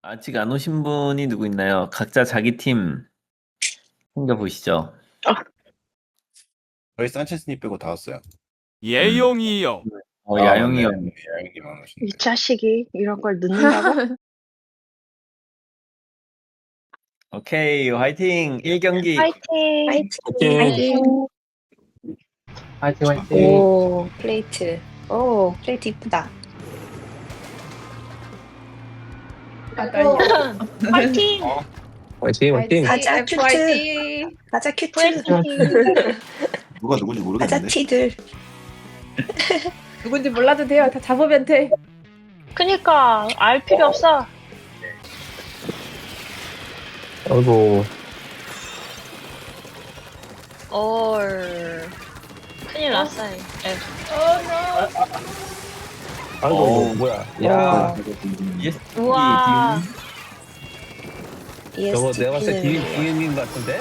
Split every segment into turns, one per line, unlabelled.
아직 안 오신 분이 누구 있나요? 각자 자기 팀 챙겨보시죠.
저희 산체스님 빼고 다 왔어요.
예용이요.
야영이 형.
네, 야영이만 오신대.
이 자식이 이런 걸 늦는다고?
오케이, 화이팅! 1경기.
화이팅!
화이팅!
화이팅 화이팅.
오, 플레이트. 오, 플레이트 이쁘다.
화이팅!
화이팅 화이팅.
가자, 큐트. 가자, 큐트.
누가 누군지
가자,
모르겠는데.
티들.
누군지 몰라도 돼요. 다 잡으면 돼.
그니까 알 필요 없어.
아이고
얼 큰일 났어요.
아이고 뭐야. 야
ESTP
우와.
저거 내가 봤을 때
ESTP.
디엠인 것 같은데.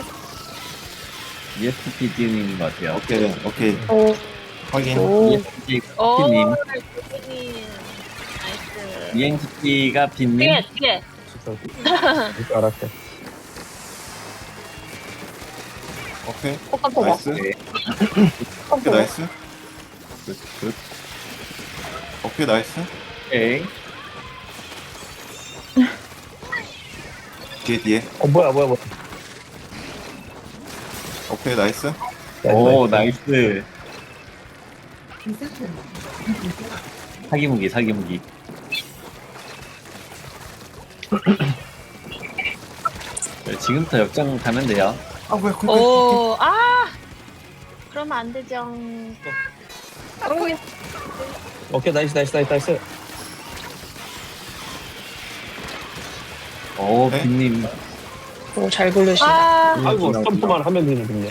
ESTP 팀인 것 같아요.
오케이. 확인.
ESTP
오,
님,
대표님. 나이스.
ENTP가 빈님.
뒤에.
알았어.
오케이.
깜짝이야.
나이스. 오케이 나이스. 굿. 오케이 나이스.
오케이.
뒤에.
뭐야.
오케이 나이스.
오, 나이스. 사기무기. 네, 지금부터 역전 가면 돼요.
아 뭐야 쿨.
오, 그러면 안 되죠.
오케이 나이스.
오,
네?
빈님.
오, 잘 굴르신다.
아이고 점프만 하면 되는군요.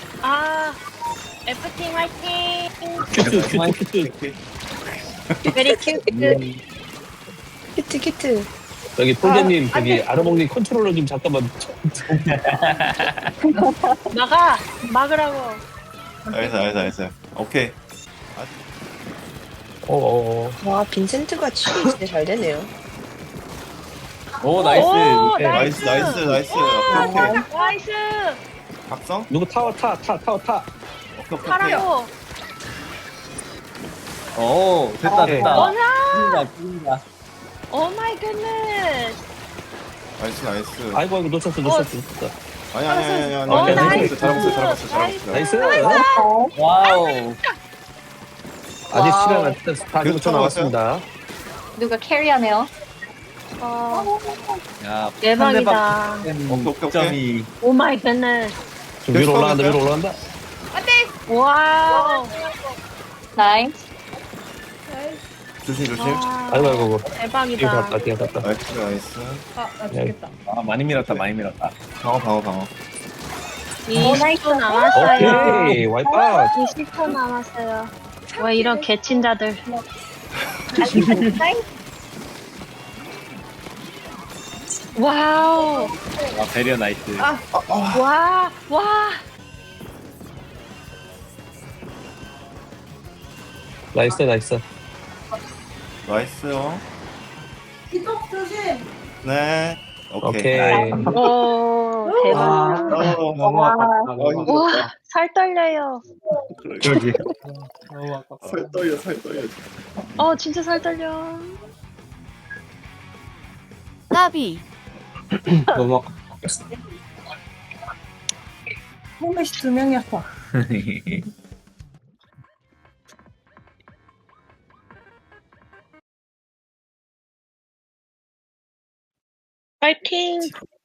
F팀 화이팅!
큐트.
베리 큐트.
큐트.
여기 폴대님 저기 아르몽님 컨트롤러 좀 잠깐만.
막으라고.
나이스. 오케이.
와, 빈센트가 칠이 진짜 잘 되네요.
오, 나이스.
오,
오케이.
나이스.
나이스. 오케이.
나이스.
각성.
누구 타워 타.
오케이.
하라고.
오, 됐다.
원아.
죽인다.
오 마이 굿네스.
나이스.
아이고 놓쳤어.
아니.
오, 나이스.
잘했어.
나이스.
와우.
아직 시간 안 됐어. 다
그래도
6초 남았습니다.
누가 캐리하네요.
야,
대박이다.
오케이.
점이
오 마이 굿네스.
좀 위로 올라간다.
와우.
나이스.
조심.
와,
아이고.
대박이다.
뒤에 갔다.
나이스.
나 죽겠다.
많이 밀었다.
방어.
20초 남았어요.
오케이. 와이파.
20초 남았어요. 왜 이런 개친자들. 와우.
배려 나이스.
와.
나이스.
나이스요.
기tok 조심.
네. 오케이.
오케이.
오, 대박.
너무 아깝다.
와, 살 떨려요.
그러게.
너무 아깝다.
살 떨려.
진짜 살 떨려.
나비
너무 아깝다.
홈메시 2명이었어.
파이팅.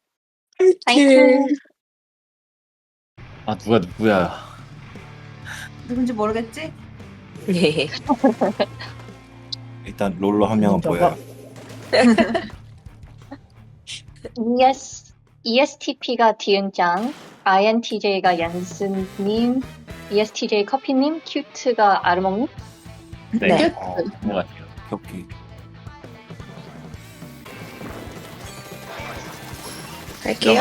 아, 누구야.
누군지 모르겠지?
네.
일단 롤러 한 명은 보여요.
ESTP가 디은짱, INTJ가 얀스님, ESTJ 커피님, 큐트가 아르몽님.
네.
네.
그런 것 같아요.
격기.
할게요.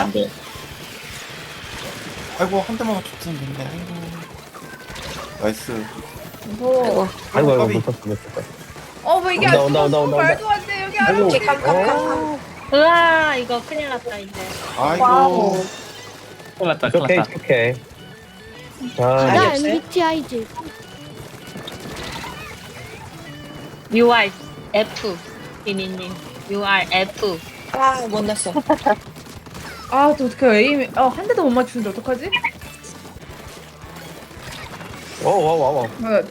아이고 한 대만 맞췄으면 됐네. 아이고. 나이스.
아이고
까비.
놓쳤어.
뭐 이게 안
온다.
죽었어. 말도 안 돼. 여기 안
아이고.
죽어.
으아, 이거 큰일 났다, 이제.
아이고. 큰일 났다, 큰일
오케이,
났다.
오케이. 자,
가자
없어요?
MBTI지.
UR F. 비니님. UR F.
아, 못 났어.
아, 또 어떡해. 에임, 한 대도 못 맞추는데 어떡하지?
와.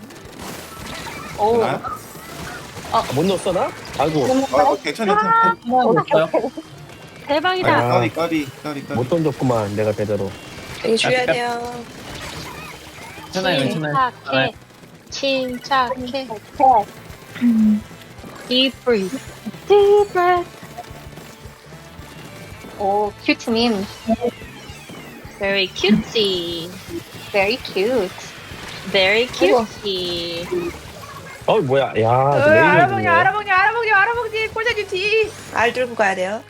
오.
못 넣었어, 나? 아이고,
괜찮아. 없어요?
대박이다.
까비.
못 던졌구만, 내가 제대로.
이거 줘야 돼요.
괜찮아요, 괜찮아요.
침착해. Deep breath. Deep breath.
오, 큐트님.
Very cutesy.
Very cute.
Very cutesy.
뭐야, 야,
알아먹냐, 알아먹냐. 꼴자님 뒤.
알 들고 가야 돼요.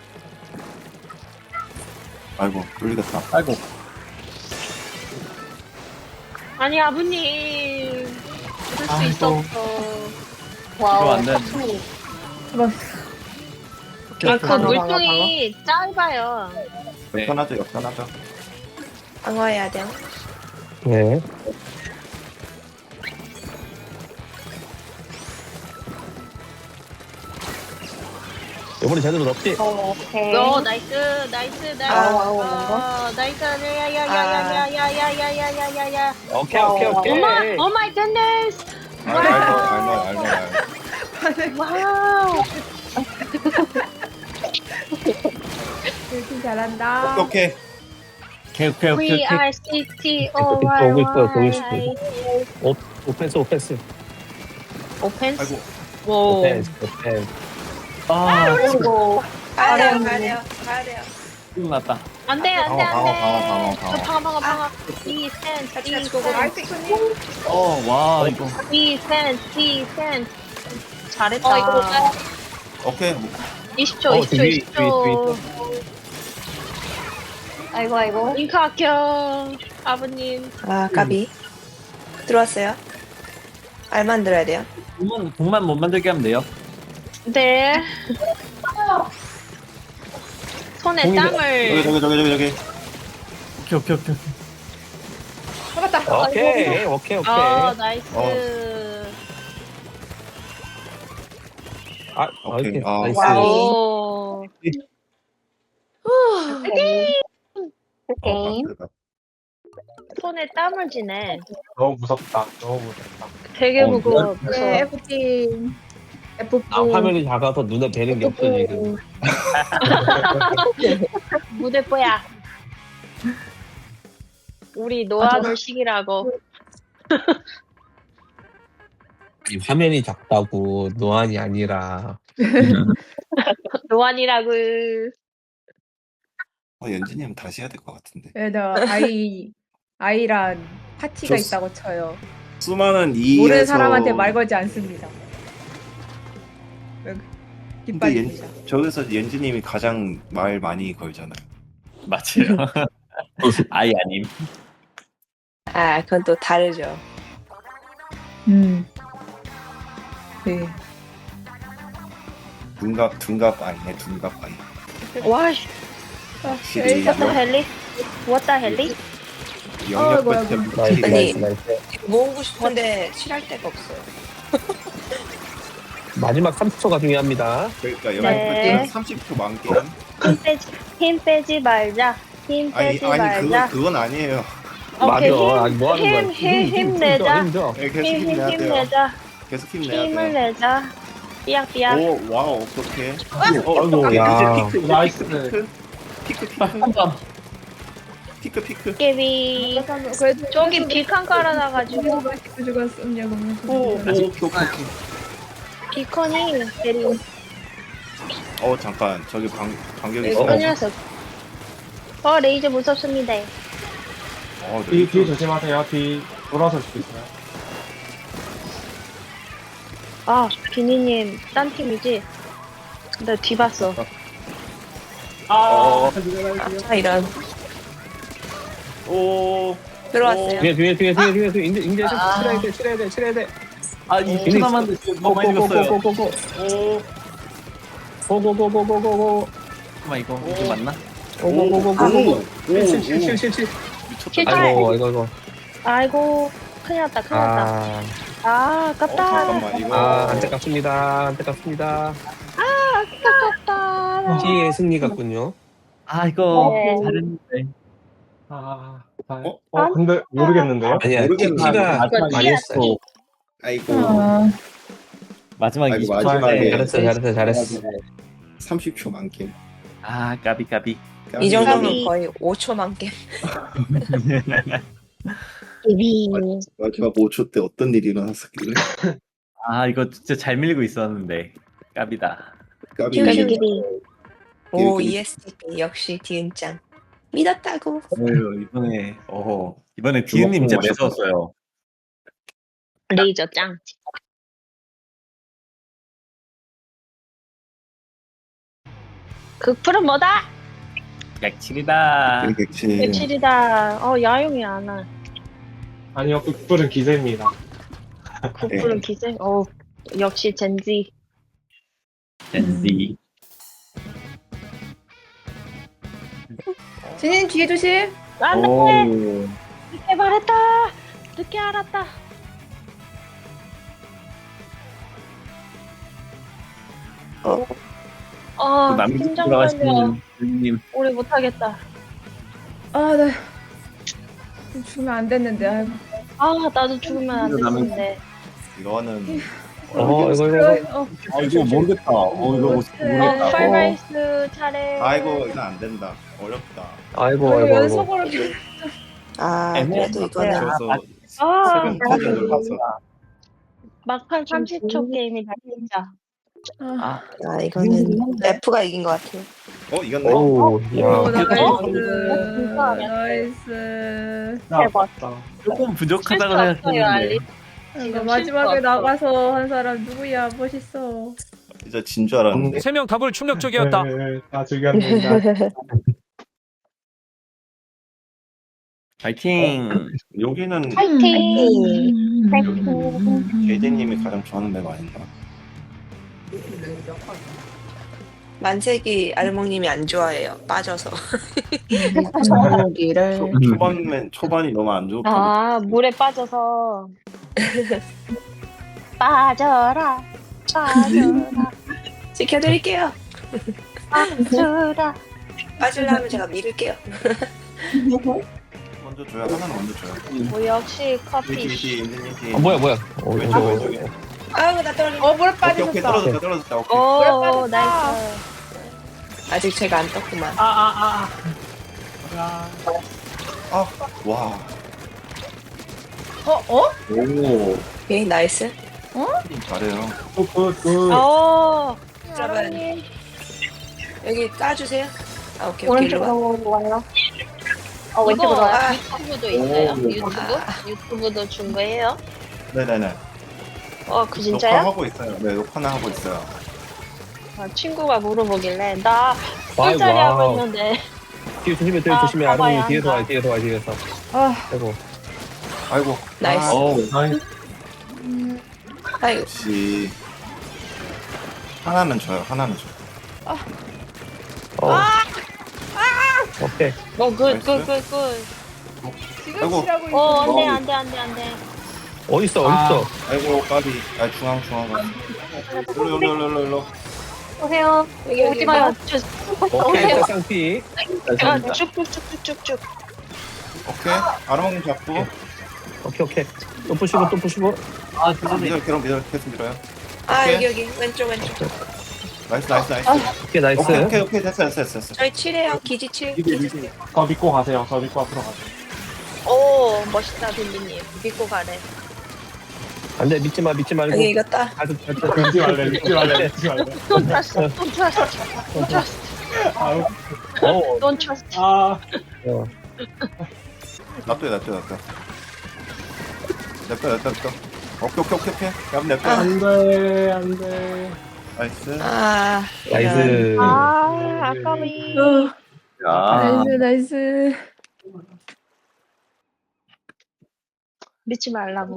아이고, 뚫리겠다. 아이고.
아니, 아버님. 그럴 수
아이고.
있었어.
이거
와우.
안 돼.
그 물통이 짧아요.
역전하죠.
방어해야 돼요.
네. 이번에 제대로 넣었지?
오케이.
나이스.
와우.
나이스. 야야야야야야야야야야야야야야야.
오케이.
오 마이 굿네스.
알고.
와우.
되게 잘한다.
오케이.
We are city
오고 있어요. 오펜스.
오펜스.
아이고.
오.
오펜스.
그리고
가야
돼요.
큰일 났다.
안돼.
방어.
방어. 디센스.
아이스크림.
와, 이거.
디센스. 잘했다.
오케이.
20초.
뒤에
아이고.
링크 합격. 아버님.
아, 까비. 들어왔어요. 알 만들어야 돼요.
공만 못 만들게 하면 돼요.
네. 손에 땀을.
저기. 오케이.
잡았다.
오케이.
나이스.
오케이.
오케이.
나이스.
오.
게임.
손에 땀을 지네.
너무 무섭다.
되게 무거워.
네, F팀. F4.
화면이 작아서 눈에 뵈는 게 없어, 지금.
무대뽀야. 우리 노안올식이라고.
이 화면이 작다고, 노안이 아니라.
노안이라고.
연진님 다시 해야 될 것 같은데.
나 아이란 파티가
좋-
있다고 쳐요.
수많은 이에서
모르는 사람한테 말 걸지 않습니다.
근데
깃발입니다.
저기서 연진님이 가장 말 많이 걸잖아요.
맞아요. 아이 아님.
아, 그건 또 다르죠.
네.
둔갑 아니네, 둔갑 아니.
와,
확실히
what the hell? What the hell?
영역
뭐야,
때
나이스,
아니.
나이스.
모으고 싶은데 칠할 데가 없어요.
마지막 30초가 중요합니다.
그러니까
네.
영역 때 30초 만겜.
힘 빼지 말자. 힘
아니
빼지 말자.
그건 아니에요.
오케이,
맞아. 아니, 뭐 하는 거야?
힘내자.
힘줘.
네, 계속 힘내야 돼요.
힘내자.
계속 힘내야
힘을
돼요.
내자. 삐약삐약.
오, 와우, 어떡해.
아이고, 야.
이제 피크,
나이스.
피크.
깨비.
그래도
저기 비칸 깔아놔가지고
맛있게 죽었음요.
오, 오케이.
비컨이 내린.
잠깐. 저기 반격이 있어.
큰일 났어. 레이저 무섭습니다.
뒤 조심하세요. 뒤 돌아설 수도 있어요.
아, 비니님 딴 팀이지? 나 뒤 봤어.
아, 이런.
오,
들어왔어요.
뒤에. 이제 칠해야 돼.
아, 2초 남았는데 지금 너무 많이 죽었어요.
고고고고고고고.
잠깐만 이거 맞나?
오오오오오. 칠칠칠칠칠.
미쳤다.
킬탈.
아이고.
아이고 큰일 났다 큰일 났다. 아 아깝다.
잠깐만 이거.
안타깝습니다. 안타깝습니다.
아깝다.
T의 승리 같군요.
아 이거
네.
잘했는데.
근데 모르겠는데요?
아니야,
모르겠는데.
T가
이거
많이
T야,
했어요.
T.
아이고.
마지막
아이고,
20초
마지막에.
잘했어.
30초 만겜.
아 까비.
이 정도면
까비.
거의 5초 만겜.
비비.
마지막 5초 때 어떤 일이 일어났었길래?
아 이거 진짜 잘 밀고 있었는데 까비다.
까비.
비비.
오
이렇게-
ESTP 역시 디은짱 믿었다고.
이번에 디은님 진짜
주먹
매서웠어요.
레이저 짱. 극풀은 뭐다?
약칠이다.
그렇지.
백칠이다. 야용이 안 와.
아니요, 극불은 기세입니다.
극풀은 기세. 역시 젠지.
젠지.
진인 뒤에 조심.
안돼.
오.
늦게 말했다. 늦게 알았다.
또 남이
심장
들어가시는
떨려.
님.
오래 못하겠다.
나 죽으면 안 됐는데. 아이고.
나도 죽으면 안
이거 남은-
됐는데.
이거는
이거.
이거 모르겠다. 이거 모르겠다.
팔바이스 차례.
아이고 이거 안 된다. 어렵다.
아이고.
연속으로
아 그래도 이거는
그래서
아,
세금 들어가서
막판 30초 게임이다 진짜.
아,
이거는 F가 이긴 것 같아요.
이겼네.
오, 야.
나이스.
대박.
조금 부족하다고
실수 없어요, 알리.
생각했는데.
지금
마지막에
실수 없어.
나가서 한 사람 누구야? 멋있어.
진짜 진 줄 알았는데.
3명 답을 충격적이었다.
다 즐겼습니다.
파이팅.
여기는
파이팅. 파이팅.
제이제님이 가장 좋아하는 맵 아닌가?
만색이 아르몽님이 안 좋아해요. 빠져서.
초반이 너무 안 좋고.
물에 빠져서. 빠져라.
지켜드릴게요.
빠져라.
빠지려면 제가 밀을게요.
먼저 줘요. 하나는 먼저 줘요.
역시 커피.
뒤.
뭐야.
왼쪽 왼쪽에.
아이고 나 떨어져.
물에
오케이
빠졌어.
떨어졌다. 오케이.
오,
빠졌다.
나이스.
아직 제가 안 떴구만.
와.
오.
오케이 나이스.
잘해요.
오,
여러분 여기 까주세요. 오케이 일로 와.
와요. 왼쪽으로
아.
와요. 유튜브도 있어요.
오.
유튜브도 준 거예요?
네네네.
그 진짜요?
녹화하고 있어요. 네, 녹화는 하고 있어요.
친구가 물어보길래 나
아이고,
술자리 하고
와우.
있는데.
뒤에 조심해.
가봐야
뒤에서
한다.
와, 뒤에서.
아,
아이고.
아이고.
나이스. 아이고
역시 하나는 줘요.
오케이.
굿.
지금
아이고.
치라고 있어.
안돼.
어딨어?
아이고 까비. 중앙. 일로.
오세요. 여기 어디 가요?
오케이,
오세요.
쌍피.
쭉쭉쭉쭉쭉.
오케이. 아르몽님 잡고.
오케이. 또 부시고.
밀어. 계속 밀어요.
아
오케이.
여기 왼쪽.
나이스.
오케이, 나이스.
오케이. 됐어.
저희 7해요. 기지 7.
저 믿고 가세요. 저 믿고 앞으로 가세요.
오, 멋있다 빌리님. 믿고 가래.
안 돼, 믿지 말고.
여기 이겼다.
믿지 말래.
Don't trust. Don't trust.
놔둬. 냅둬. 오케이. 그럼 냅둬.
안 돼.
나이스.
나이스.
아까비.
나이스.
믿지 말라고.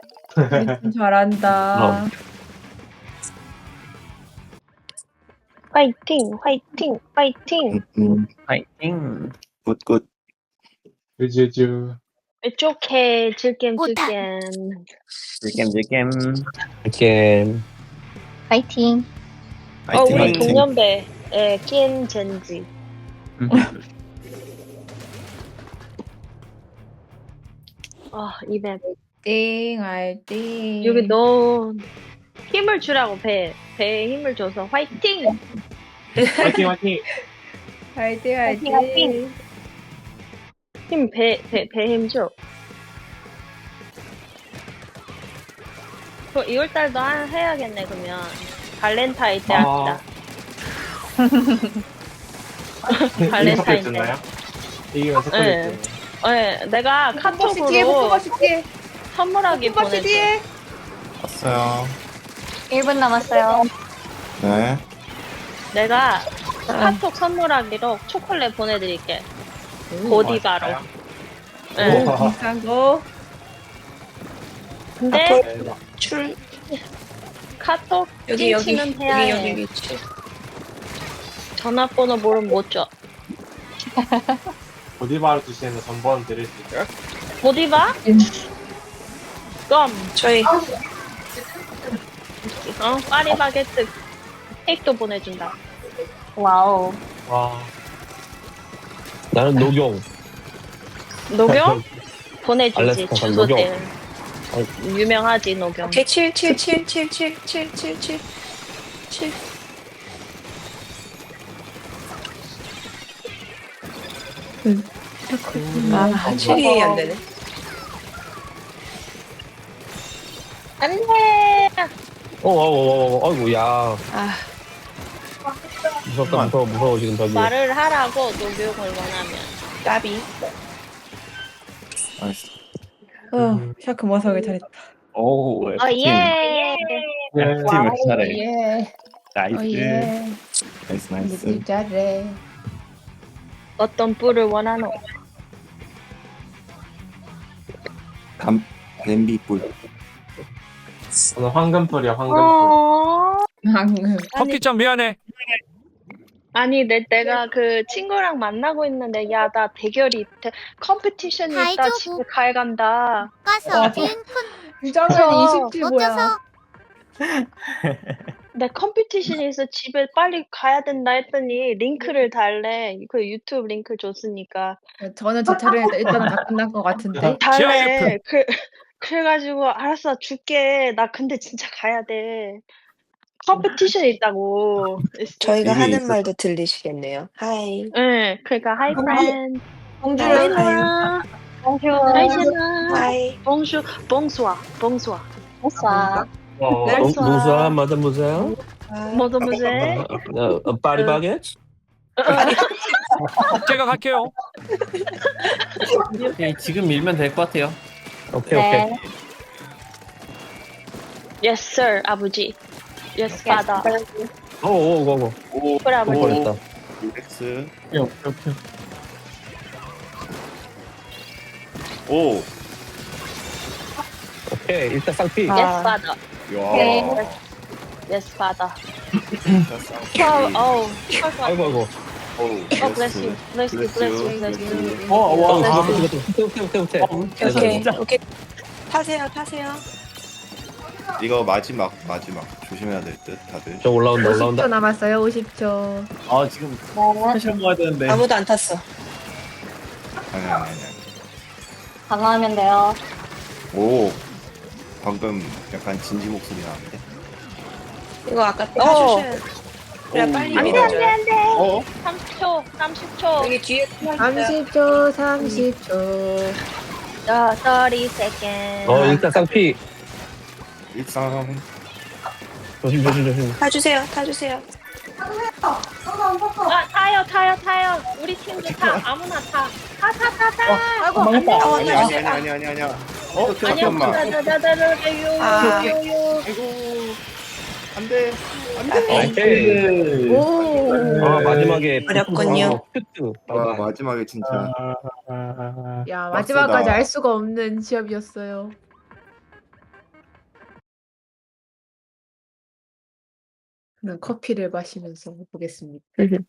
잘한다.
화이팅, 화이팅, 화이팅.
파이팅.
굿굿.
유주주.
It's okay. 즐겜, 즐겜.
질겜.
이렇게
파이팅.
파이팅
우리
파이팅.
동년배. 예, 낀 젠지. 이벤.
띵, 알띵.
여기 너 힘을 주라고 배에 힘을 줘서 화이팅!
화이팅 화이팅.
화이팅,
화이팅.
화이팅.
배 힘 줘. 2월달도 해야겠네 그러면. 발렌타인 때 합시다. 발렌타인 때.
였나요? 이기면
네.
색깔이
네, 내가
볶음밥씨 뒤에,
카톡으로
볶음밥씨 뒤에.
선물하기
볶음밥씨
보냈어.
뒤에.
왔어요.
1분 남았어요.
네.
내가 카톡 선물하기로 초콜릿 보내드릴게. 고디바로. 네.
비싼 거.
근데
출
카톡
여기
찡치는 해야 해.
여기 출.
전화번호 모르면 못 줘.
보디바를 주시는 전번 드릴 수 있어요?
고디바? 껌.
저희
파리바게뜨. 케이크도 보내준다.
와우.
와.
나는 녹용.
녹용? 보내주지.
알래스카
주소대. 유명하지 녹용.
오케이 7. 아 7이 안 되네.
안돼.
아이고, 야.
아
무서워, 지금 저기.
말을 하라고 녹용을 원하면.
까비.
나이스.
샤크 머사하게 잘했다.
오,
예.
팀을 잘해.
예.
나이스.
예.
나이스.
잘해.
어떤 뿔을 원하노?
냄비뿔.
저는 황금뿔이요 황금뿔.
방금.
커피짱 미안해.
아니 내가 그 친구랑 만나고 있는데 야 나 컴피티션이 있다
다이조부.
집에 가야 간다.
가서
유정은 27 뭐야?
내 컴피티션이 있어 집에 빨리 가야 된다 했더니 링크를 달래. 그 유튜브 링크 줬으니까
저는 제 차례 일단은 다 끝난 것 같은데.
달래. 그래가지고 알았어 줄게. 나 근데 진짜 가야 돼. 컴피티션이 있다고.
저희가
이미
하는
있었어.
말도 들리시겠네요. 하이.
응, 그러니까 하이 프렌드.
공주랑
하이.
하이 제나.
하이.
봉슈, 봉수아, 봉수아.
됐어.
무사, 마담 무사.
뭐도 무제?
파리바게트?
제가 갈게요.
오케이, 지금 밀면 될 것 같아요.
오케이.
네.
Yes sir, 아버지. Yes father.
오.
그래 아버지.
버렸다.
렉스.
오케이.
오.
오케이, 일단 쌍피.
Yes father.
야.
Yes father.
진짜
Oh,
아이고.
Oh, bless you, bless you, bless you, bless you.
와.
후퇴.
오케이. 타세요.
이거 마지막 조심해야 될 듯 다들.
저 올라온다.
50초 남았어요. 50초.
아, 지금 스페셜 먹어야 되는데.
아무도 안 탔어.
아니.
강화하면 돼요.
오. 방금 약간 진지 목소리 나는데.
이거 아까 타주셔야 그래 빨리
안돼
밀어줘요.
안돼.
어?
30초.
여기 뒤에
30초, 30초.
30 seconds.
일단 쌍피.
일상.
조심.
타주세요.
타요. 우리 팀도 타. 아무나 타. 타.
아이고,
아니야. 잠깐만. 안돼.
오케이.
오.
마지막에.
어렵군요.
큐트.
와 마지막에 진짜.
야, 마지막까지 알 수가 없는 시합이었어요. 커피를 마시면서 보겠습니다.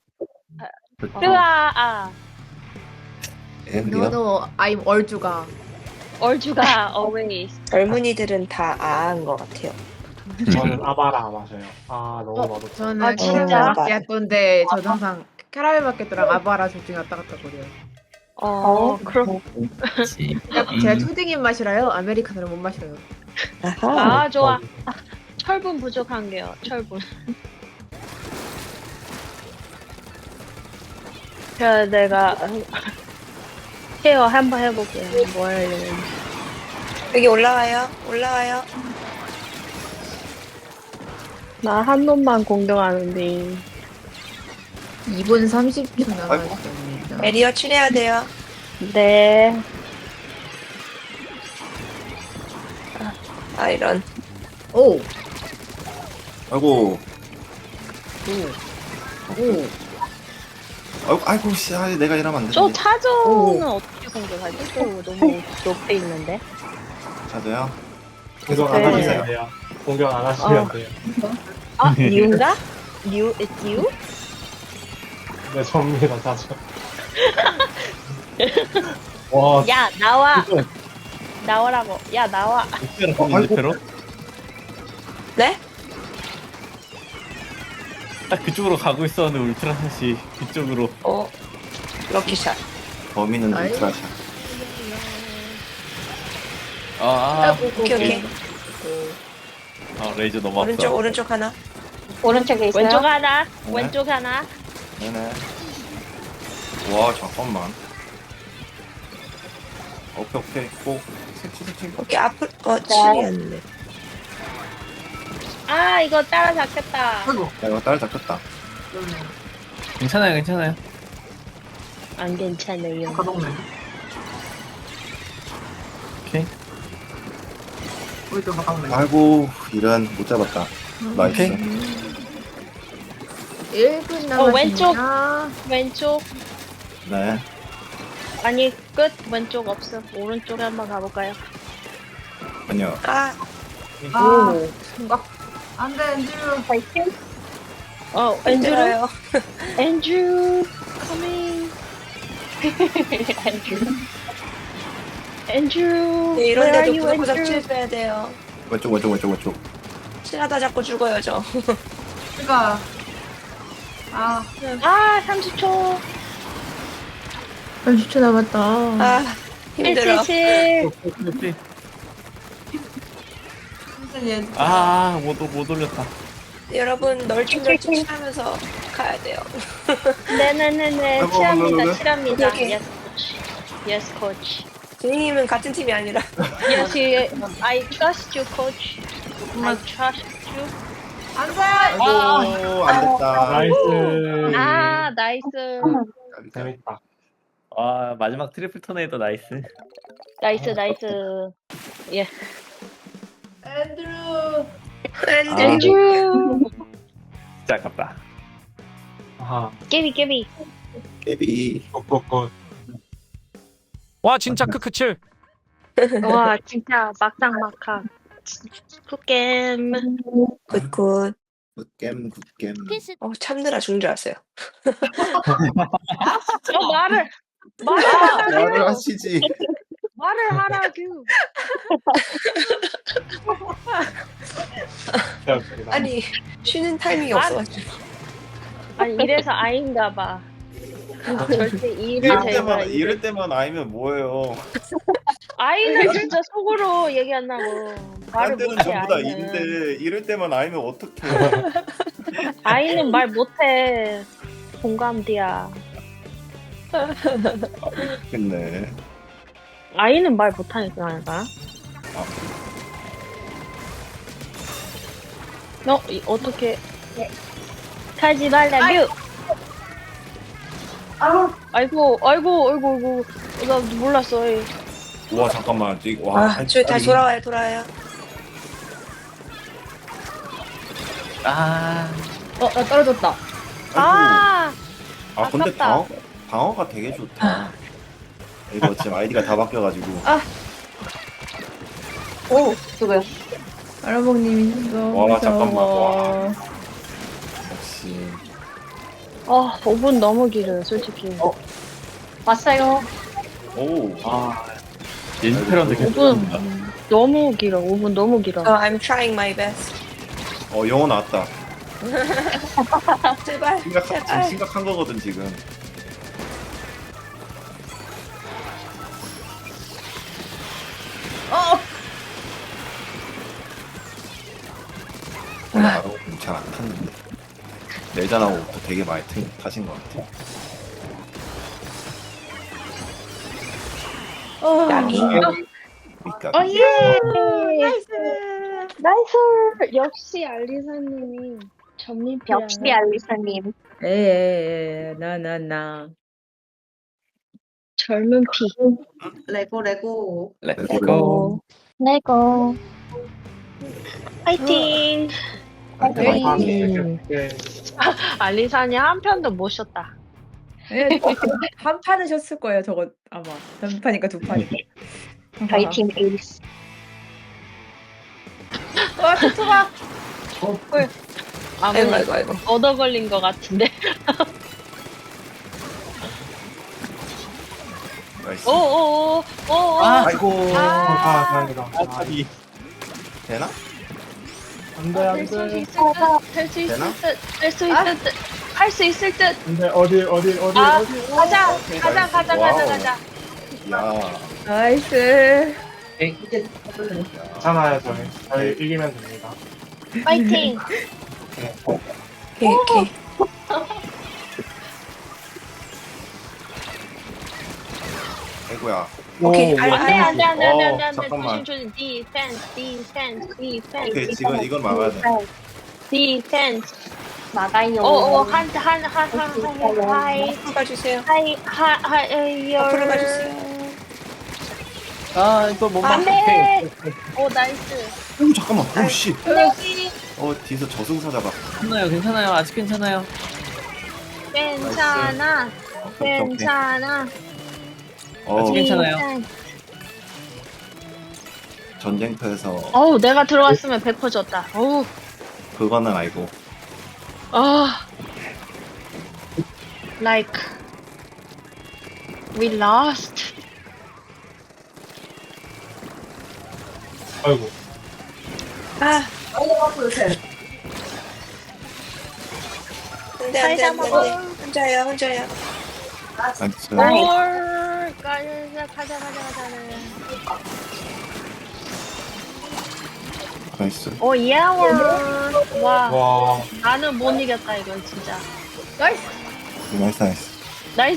으아,
애들이요?
너도 I'm 얼주가.
얼주가 always.
젊은이들은 다 아한 것 같아요.
저는 아바라 마셔요. 아 너무 맛없어.
저는
아, 진짜?
캐러멜 마키아토인데 저도 항상 캐러멜 마키아토랑 아바라 둘 중에 왔다 갔다 거려요.
그럼.
제가 초딩 입맛이라요. 아메리카노를 못 마셔요.
아하.
아, 좋아. 철분 부족한 게요, 철분. 자, 내가 케어 한번 해볼게요. 뭐 하려는지.
여기 올라와요. 올라와요.
나 한 놈만 공격하는데.
2분 30초 남았습니다.
에리어 칠해야 돼요.
네.
아 이런.
오!
아이고.
오!
아이고 씨, 내가 이러면 안
저
되는데.
차저는 어떻게 공격하지? 또 너무 높에 있는데.
자도요?
공격 안
네.
하시면 돼요. 공격 안 하시면 돼요.
아, 뉴인가? 뉴? It's you?
네, 접니다, 자주. 와,
야, 나와! 나오라고. 야, 나와.
아이고.
네?
딱 그쪽으로 가고 있었는데 울트라샷이 그쪽으로.
럭키샷.
범인은
아이고.
울트라샷.
오케이 오케이.
레이저 넘어왔어.
오른쪽 오른쪽 하나.
오른쪽에 있어요.
왼쪽 하나,
네.
왼쪽 하나.
네네. 와 잠깐만. 오케이 꼭 색칠.
오케이 앞으로 칠이었는데.
아, 이거 따라잡겠다.
야 이거 딸 잡혔다.
괜찮아요.
안 괜찮아요.
오케이.
아이고 이런 못 잡았다. 나이스.
1분 남았습니다.
왼쪽. 왼쪽.
네.
아니, 끝. 왼쪽 없어. 오른쪽에 한번 가볼까요?
아니요.
아
오! 생각. 안 돼, 엔드류.
파이팅. 앤드루.
힘들어요.
앤드루. coming. 앤드루.
네,
where
이런데도
are you,
구석구석
앤드루?
칠 빼야 돼요.
왼쪽.
칠하다 자꾸 죽어요 저.
그니까.
아, 30초.
30초 남았다.
아 힘들어.
177.
못 올렸다.
여러분 널찍널찍 칠하면서 가야 돼요.
네네네네.
아이고,
칠합니다. 칠합니다.
오케이.
Yes, coach. Yes, coach.
선생님은 같은 팀이 아니라.
Yes, I trust you, coach. I trust you.
아이고 안 됐다.
나이스.
아, 나이스.
재밌다.
마지막 트리플 토네이도 나이스.
나이스. 예.
엔드류.
앤드루.
진짜 아깝다.
아하,
깨비.
깨비.
굿굿굿.
와 진짜 크크칠.
와, 진짜 막상. 굿게임.
굿굿.
굿겜.
참느라 죽는 줄 알았어요.
말을
말을 하시지.
말을 하라고.
아니 쉬는 타이밍이 없어가지고.
아니, 이래서 아인가 봐. 절대 일을 제가
이럴 때만 아니면 뭐예요?
아이는 진짜 속으로 얘기 안 나고 말을
딴 데는
못해.
전부 다
아이는.
일인데 이럴 때만 아니면 어떡해?
아이는 말 못해. 공감디야.
됐네.
아이는 말 못하니까 알까? 어떻게 가지 말라뷰. 아이고 나 몰랐어. 에이.
와 잠깐만. 와.
저희 다시 돌아와요.
나 떨어졌다.
근데
아깝다.
방어가 되게 좋다. 이거 지금 아이디가 다 바뀌어가지고.
오, 누구요?
아라봉님이 있어.
와, 잠깐만. 와.
5분 너무 길어요, 솔직히.
왔어요.
오.
연습해라는데 계속
5분 너무 길어. 5분 너무 길어.
So I'm trying my best.
영어 나왔다.
제발,
지금
제발.
심각한 거거든 지금. 원래 아로님 잘안 탔는데 내전하고 되게 많이 타신 것 같아.
야미.
그러니까
예!
나이스.
나이스! 역시 알리사님이 전민피야.
역시 알리사님.
나나나.
젊은 피.
레고.
레고.
레고.
파이팅!
에이.
알리사님 한 편도 못 쉬었다.
한 판은 셨을 거예요. 저거 아마 한 판이니까 두 판이니까.
저희 팀 에이스.
와 투투가.
아이고, 아이고, 아이고.
얻어 걸린 것 같은데.
나이스.
오오오.
아이고.
다행이다.
탑이 되나?
안돼
할 수
안돼.
있을 듯. 할 수 있을
되나?
듯. 할 수 있을 듯. 할 수 있을 듯.
안돼 어디.
가자.
오케이,
가자.
와우.
가자.
야.
나이스.
괜찮아요 저희 이기면 됩니다.
파이팅.
오케이, 오케이.
아이고야.
오케이,
안돼.
잠깐만.
조심. 디펜스.
오케이 지금 이건 막아야 돼.
디펜스.
막아요.
하이.
앞으로 가주세요.
하이.
앞으로 가주세요.
이거 못
안돼. 오 나이스.
오 잠깐만. 오 씨.
여기
뒤에서 저승사 잡아.
괜찮아요. 아직 괜찮아요.
괜찮아.
오케이.
괜찮아.
아직 괜찮아요.
전쟁터에서
어우 내가 들어갔으면 100% 졌다. 어우.
그거는 알고.
Like we lost.
아이고.
아. 안돼. 혼자야.
나이스.
올 가자.
나이스.
오 예월. 와
와.
나는 못 이겼다 이거 진짜.
나이스.
나이스.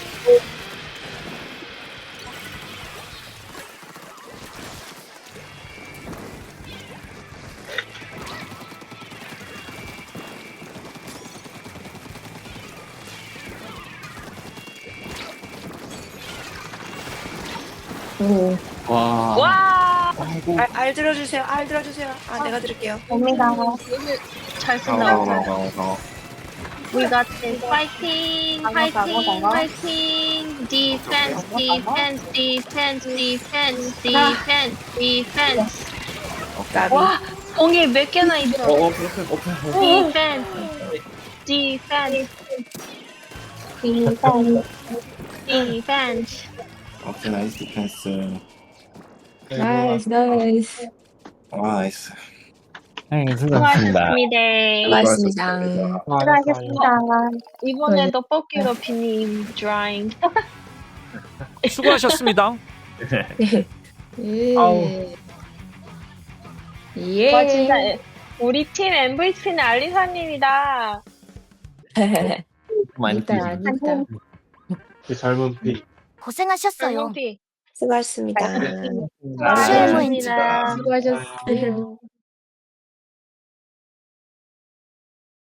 와.
와.
알 들어주세요. 아, 내가 들을게요.
옵니다.
잘 쓴다.
강어.
We got this. Fighting. Defense.
나비.
와, 공이 몇 개나 있어.
오픈.
Defense.
오케이 나이스 디펜스.
나이스.
나이스.
수고하셨습니다.
수고하셨습니다.
수고하셨습니다.
이번에도 뽑기로 비님 드라잉.
수고하셨습니다.
예.
와 진짜 우리 팀 MVP는 알리사님이다.
많이
아니다.
젊은 피.
고생하셨어요.
MVP.
수고하셨습니다.
수고하셨습니다.
수고하셨어요.